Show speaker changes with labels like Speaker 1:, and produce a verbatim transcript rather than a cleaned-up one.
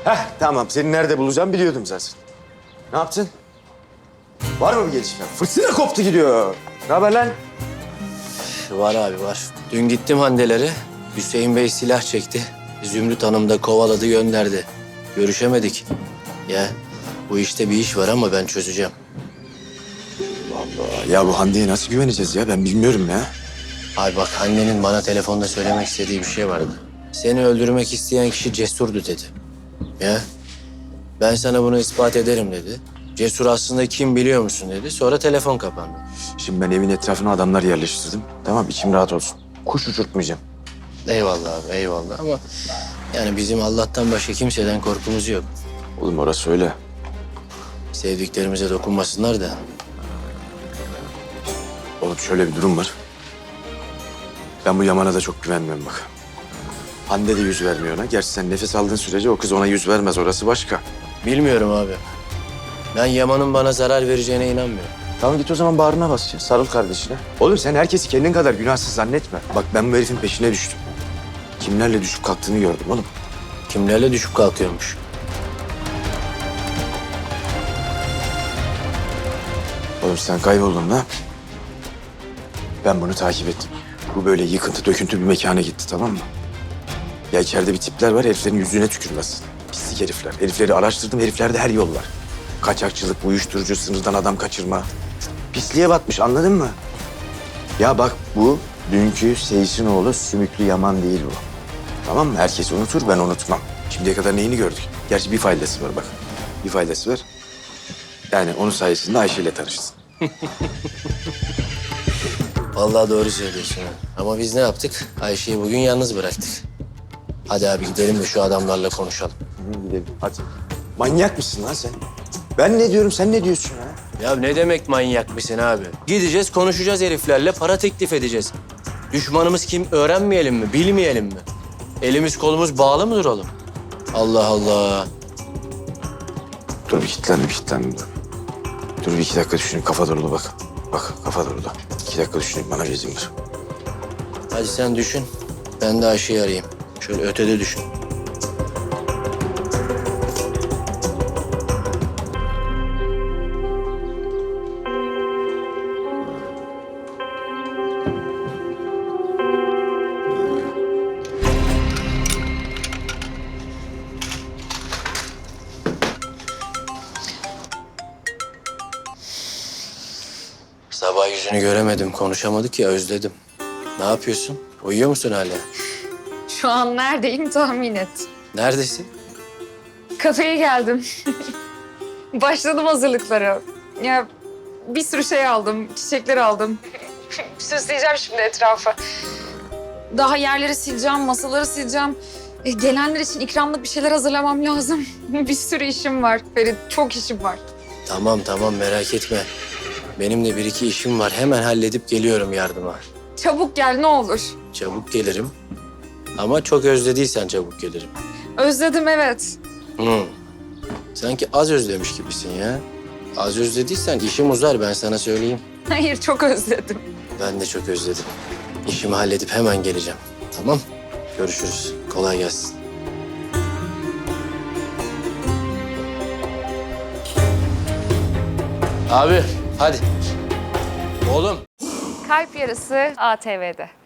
Speaker 1: Heh, tamam. Seni nerede bulacağım biliyordum zaten. Ne yaptın? Var mı bir gelişme? Fırtına koptu gidiyor. Ne haber lan?
Speaker 2: Var abi var. Dün gittim Handelere. Hüseyin Bey silah çekti. Zümrüt Hanım da kovaladı gönderdi. Görüşemedik. Ya bu işte bir iş var ama ben çözeceğim.
Speaker 1: Allah, ya bu Hande'ye nasıl güveneceğiz ya? Ben bilmiyorum ya.
Speaker 2: Abi bak annenin bana telefonda söylemek istediği bir şey vardı. Seni öldürmek isteyen kişi Cesur'du dedi. Ya ben sana bunu ispat ederim dedi. Cesur aslında kim biliyor musun dedi. Sonra telefon kapandı.
Speaker 1: Şimdi ben evin etrafına adamlar yerleştirdim. Tamam, içim rahat olsun. Kuş uçurtmayacağım.
Speaker 2: Eyvallah abi eyvallah ama yani bizim Allah'tan başka kimseden korkumuz yok.
Speaker 1: Oğlum orası öyle.
Speaker 2: Sevdiklerimize dokunmasınlar da.
Speaker 1: Oğlum şöyle bir durum var. Ben bu Yaman'a da çok güvenmiyorum bak. Hande de yüz vermiyor ona. Gerçi sen nefes aldığın sürece o kız ona yüz vermez. Orası başka.
Speaker 2: Bilmiyorum abi. Ben Yaman'ın bana zarar vereceğine inanmıyorum.
Speaker 1: Tamam git o zaman bağrına bas ya. Sarıl kardeşine. Oğlum sen herkesi kendin kadar günahsız zannetme. Bak ben bu herifin peşine düştüm. Kimlerle düşüp kalktığını gördüm oğlum.
Speaker 2: Kimlerle düşüp kalkıyormuş.
Speaker 1: Oğlum sen kayboldun lan. Ben bunu takip ettim. Bu böyle yıkıntı döküntü bir mekana gitti, tamam mı? Ya içeride bir tipler var, heriflerin yüzüne tükürmez. Pislik herifler. Herifleri araştırdım, heriflerde her yol var. Kaçakçılık, uyuşturucu, sınırdan adam kaçırma. Pisliğe batmış, anladın mı? Ya bak bu dünkü Seyis'in oğlu Sümüklü Yaman değil bu. Tamam mı? Herkes unutur, ben unutmam. Şimdiye kadar neyini gördük? Gerçi bir faydası var bak. Bir faydası var. Yani onun sayesinde Ayşe ile tanıştın.
Speaker 2: Vallahi doğru söylüyorsun ha. Ama biz ne yaptık? Ayşe'yi bugün yalnız bıraktık. Hadi abi gidelim de şu adamlarla konuşalım.
Speaker 1: Hı, gidelim, hadi. Manyak mısın lan sen? Ben ne diyorum, sen ne diyorsun ya?
Speaker 2: Ya ne demek manyak mısın abi? Gideceğiz konuşacağız heriflerle para teklif edeceğiz. Düşmanımız kim öğrenmeyelim mi bilmeyelim mi? Elimiz kolumuz bağlı mı duralım? Allah Allah.
Speaker 1: Dur bir kilitlendim, kilitlendim. Dur. Dur bir iki dakika düşüneyim, kafa dolu bak. Bak, kafa dolu da. İki dakika düşüneyim, bana bir izin ver.
Speaker 2: Hadi sen düşün. Ben de Ayşe'yi arayayım. Şöyle ötede düşün. Sabah yüzünü göremedim, konuşamadık ya, özledim. Ne yapıyorsun? Uyuyor musun hala?
Speaker 3: Şu an neredeyim tahmin et.
Speaker 2: Neredesin?
Speaker 3: Kafeye geldim. Başladım hazırlıklara. Ya bir sürü şey aldım, çiçekler aldım. Süsleyeceğim şimdi etrafı. Daha yerleri sileceğim, masaları sileceğim. E, gelenler için ikramlık bir şeyler hazırlamam lazım. Bir sürü işim var Ferit, çok işim var.
Speaker 2: Tamam tamam merak etme. Benim de bir iki işim var. Hemen halledip geliyorum yardıma.
Speaker 3: Çabuk gel ne olur.
Speaker 2: Çabuk gelirim. Ama çok özlediysen çabuk gelirim.
Speaker 3: Özledim evet.
Speaker 2: Hı. Sanki az özlemiş gibisin ya. Az özlediysen işim uzar ben sana söyleyeyim.
Speaker 3: Hayır çok özledim.
Speaker 2: Ben de çok özledim. İşimi halledip hemen geleceğim. Tamam? Görüşürüz. Kolay gelsin. Abi hadi. Oğlum.
Speaker 3: Kalp Yarısı A T V'de.